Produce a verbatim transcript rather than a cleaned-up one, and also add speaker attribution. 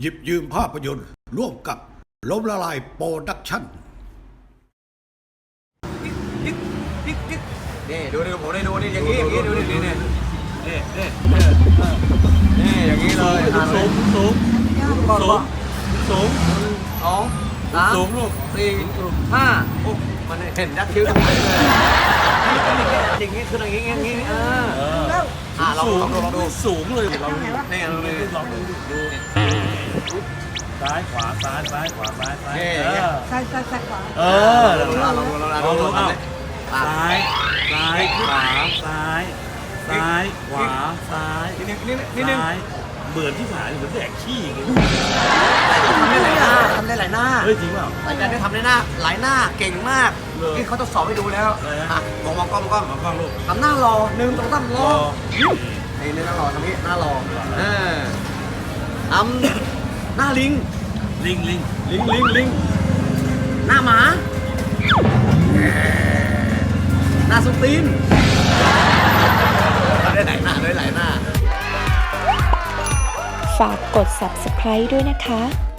Speaker 1: หยิบยืมภาพยนตร์ร่วมกับล้มละลายโปรดักชั่น
Speaker 2: นี่ดูดูผมได้ดูนี่อย่างนี้อย่างนี้ดูนี่นี่นี่นี่นี่นี่อย่างนี้เลยสูงสูงสูงสูงสองสามสูงลูกสี่ห้าโอ้มันเห็นยักษ์คิ้วตรงไหนเลยอย่างนี้คืออย่างนี้อย่างนี้เอออ่าลองลองลองดูสูงเลยลองดูนี่ลองดูลองดูดูซ้ายขวาซ้ายซ้ายขวาซ้ายซ้าย
Speaker 3: ซ้ายซ้ายซ้ายขวา
Speaker 2: เออลองดูลองดูลองดูเอาซ้ายซ้ายขวาซ้ายซ้ายขวาซ้ายนิดนึงนิดนึงนิดนึงเหมือนที่ผายเหมือนแดกขี้อย่างเงี้ยทำได้หลายหน้าทำได้หลายหน้าเฮ้ยจริงเปล่าอาจารย์ได้ทำได้หน้าหลายหน้าเก่งมากที่เขาทดสอบให้ดูแล้วอ่ะมองมองกล้องมองกล้องมองกล้องลูกทำหน้ารอหนึ่งสองสามรอไอ้นี่หน้ารอทำนี้หน้ารอเออทำหน้าลิงลิงลิงลิงลิงลิงหน้าหมาหน้าสุตีนได้หลายหน้าได้หลายหน้า
Speaker 4: ฝากกด ซับสไครบ์ ด้วยนะคะ